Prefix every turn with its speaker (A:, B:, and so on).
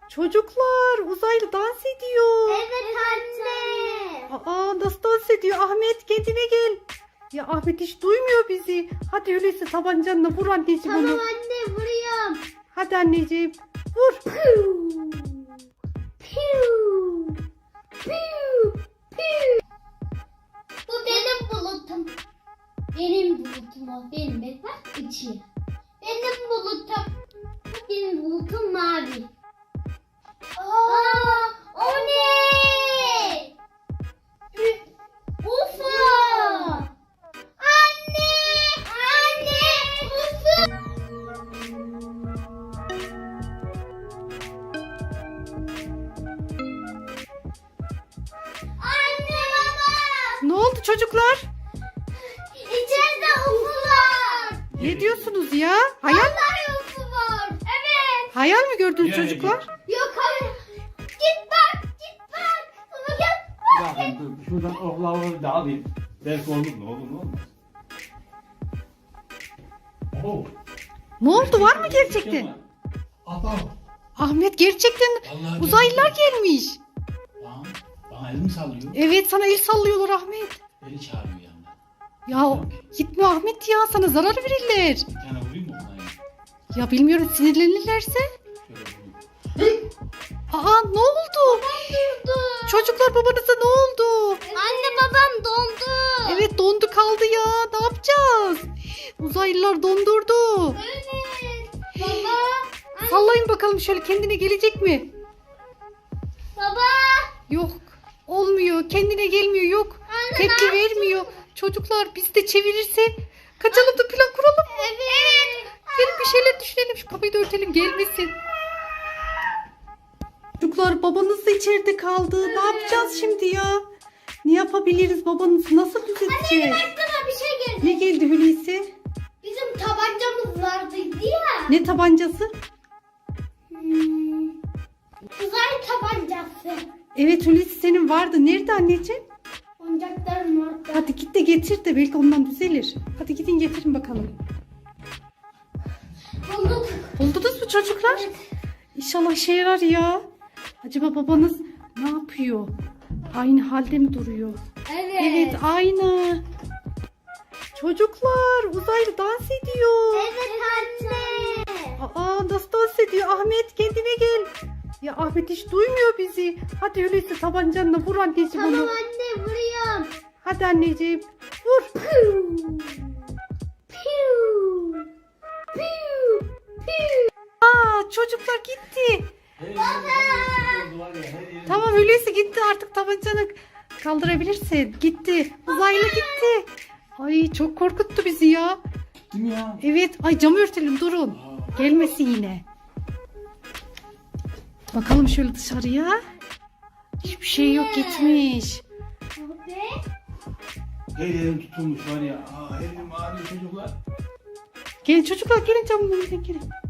A: Çocuklar, uzaylı dans ediyor.
B: Evet anne.
A: Aa, nasıl dans ediyor? Ahmet, kendine gel. Ya Ahmet hiç duymuyor bizi. Hadi öyleyse tabancanla vur anneciğim
B: Tamam
A: onu.
B: anne vuruyorum.
A: Hadi anneciğim vur.
B: Piu. Piu. Piu. Piu. Bu benim bulutum. Benim bulutum o. Benim bak içi. Benim bulutum. Benim bulutum mavi. Aa, o ne? UFO. Anne! Anne! UFO! Anne baba!
A: Ne oldu çocuklar?
B: İçeride UFO var.
A: Ne diyorsunuz ya? Hayal,
B: Vallahi UFO var. Evet.
A: hayal mi gördünüz
C: Nereye
A: çocuklar?
B: Yok hayır. Git bak. Git bak. Baba gel.
C: Ya dur, şuradan oklaları da alayım. Belki olur mu? Olur mu? Olmaz. Oh.
A: Ne oldu, var mı gerçekten?
C: Aba.
A: Ahmet, gerçekten
C: Vallahi
A: uzaylılar gelmiş.
C: Lan, bana elimi sallıyor.
A: Evet, sana el sallıyorlar Ahmet.
C: Beni çağırıyor yanına.
A: Ya gitme Ahmet ya, sana zarar verirler.
C: Bir tane vurayım mı ona?
A: Ya bilmiyorum, sinirlenirlerse.
C: Şöyle vurayım.
A: Aa, ne oldu? Çocuklar, babanıza ne oldu?
B: Anne babam dondu.
A: Evet, dondu kaldı ya. Ne yapacağız? Uzaylılar dondurdu.
B: Evet. Baba.
A: Sallayın bakalım, şöyle kendine gelecek mi?
B: Baba.
A: Yok. Olmuyor. Kendine gelmiyor. Yok.
B: Anne,
A: Tepki
B: ne
A: vermiyor. Çocuklar, bizi de çevirirse kaçalım da plan kuralım.
B: Evet.
A: Gelin bir şeyler düşünelim. Şu kapıyı da örtelim, gelmesin. Çocuklar, babanız da içeride kaldı. Ne yapacağız şimdi ya? Ne yapabiliriz? Babanızı nasıl düzelteceğiz?
B: Aklıma bir şey geldi.
A: Ne geldi Hulusi?
B: Bizim tabancamız vardı ya.
A: Ne tabancası?
B: Uzay tabancası.
A: Evet Hulusi, senin vardı. Nerede anneciğim?
B: Oyuncaklarım orada.
A: Hadi git de getir de belki ondan düzelir. Hadi gidin getirin bakalım.
B: Bulduk.
A: Buldunuz mu çocuklar? İnşallah işe yarar ya. Acaba babanız ne yapıyor? Aynı halde mi duruyor?
B: Evet.
A: Evet, aynı. Çocuklar, uzaylı dans ediyor.
B: Evet anne.
A: Aa, nasıl dans ediyor? Ahmet, kendine gel. Ya Ahmet hiç duymuyor bizi. Hadi öyleyse tabancanla vur anneciğim
B: Tamam
A: onu.
B: anne vuruyorum.
A: Hadi anneciğim vur.
B: Piu. Piu. Piu. Piu.
A: Aa, çocuklar gitti.
C: Her yerim oldu var ya, her yerim.
A: Tamam, öyleyse gitti, artık tabancanı kaldırabilirsin. Gitti. Uzaylı gitti. Ay, çok korkuttu bizi ya.
C: Değil mi ya?
A: Evet. Ay, camı örtelim, durun. Gelmesin yine. Bakalım şöyle dışarıya. Hiçbir şey yok, gitmiş.
B: Ve
C: Her yerim tutulmuş var ya. Her yerim ağrıyor çocuklar.
A: Gelin çocuklar, gelin camın önünden gelin.